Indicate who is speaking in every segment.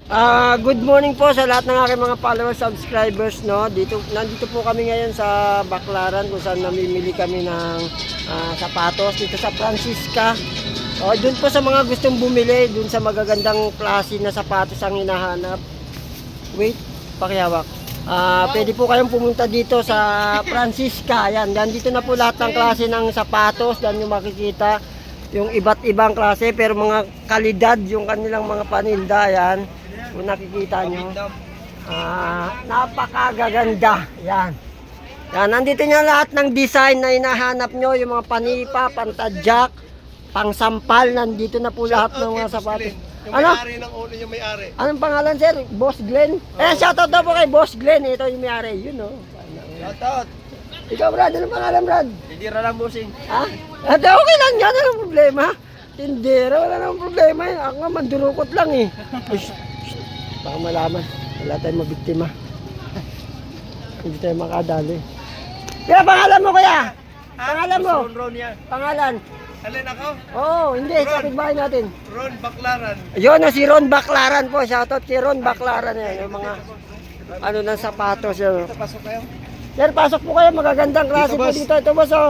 Speaker 1: Good morning po sa lahat ng aking mga followers, subscribers, no. Nandito po kami ngayon sa Baclaran kung saan namimili kami ng sapatos dito sa Francisca. Doon po sa mga gustong bumili, doon sa magagandang klase na sapatos ang hinahanap. Wait, pakihawak. Pwede po kayong pumunta dito sa Francisca. Ayan, nandito na po lahat ng klase ng sapatos. Diyan yung makikita yung iba't ibang klase pero mga kalidad yung kanilang mga paninda. Ayan, kung nakikita nyo, napakagaganda. Yan. Yan, nandito nyo lahat ng design na hinahanap nyo, yung mga panipa, pantadyak, pangsampal. Nandito na po lahat ng mga sapatos.
Speaker 2: Yung
Speaker 1: Ano?
Speaker 2: may-ari ng ulo, yung may-ari.
Speaker 1: Anong pangalan, sir? Boss Glenn? Shoutout daw po kay Boss Glenn. Ito yung may-ari. Yun, oh.
Speaker 2: Shoutout.
Speaker 1: Ikaw, Brad. Anong pangalan, Brad?
Speaker 2: Tindira lang, bossing.
Speaker 1: Ha? Ate, okay lang yan. Anong problema? Tindera, wala namang problema yun. Ako nga, mandurukot lang eh. Baka malaman. Wala tayong mabiktima. Hindi tayo makadali. Kaya pangalan mo, kuya? Pangalan mo?
Speaker 2: Ron yan.
Speaker 1: Pangalan?
Speaker 2: Alin ako?
Speaker 1: Oo, hindi. Kapitbahay natin.
Speaker 2: Ron Baclaran.
Speaker 1: Ayun, si Ron Baclaran po. Shoutout si Ron Baclaran. Yan, yung mga ano ng sapatos. Yun.
Speaker 2: Pasok kayo.
Speaker 1: Sir, pasok po kayo. Magagandang klase
Speaker 2: Dito,
Speaker 1: po
Speaker 2: boss.
Speaker 1: dito. Ito, boss, oh.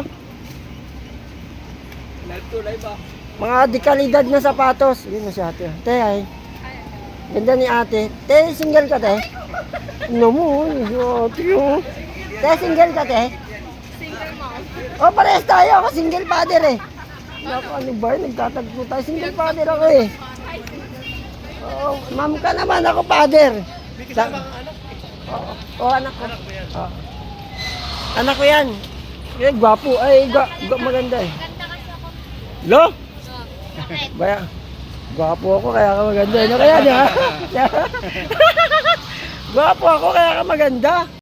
Speaker 2: Live to live ba?
Speaker 1: Mga dekalidad na sapatos. Yun na si ate. Te, ay. Ganda ni ate. Te, single ka, te? Ano mo? Ate, oh. Te, single ka, te?
Speaker 3: Single mom.
Speaker 1: Oh, parehas tayo. Ako single father, eh. Naku, ano ba yun? Nagtatagpo tayo. Single father ako, eh. Oh, ma'am ka naman. Ako father.
Speaker 2: May kasama kang anak.
Speaker 1: Oh, anak ko.
Speaker 2: Anak mo yan.
Speaker 1: Oh. Anak ko yan. Eh, gwapo. Ay, maganda, eh.
Speaker 3: Ganda kasi ako.
Speaker 1: Lo?
Speaker 3: Bakit?
Speaker 1: Baya, gwapo ako kaya ka maganda. Ano kaya niya? Gwapo ako kaya ka maganda.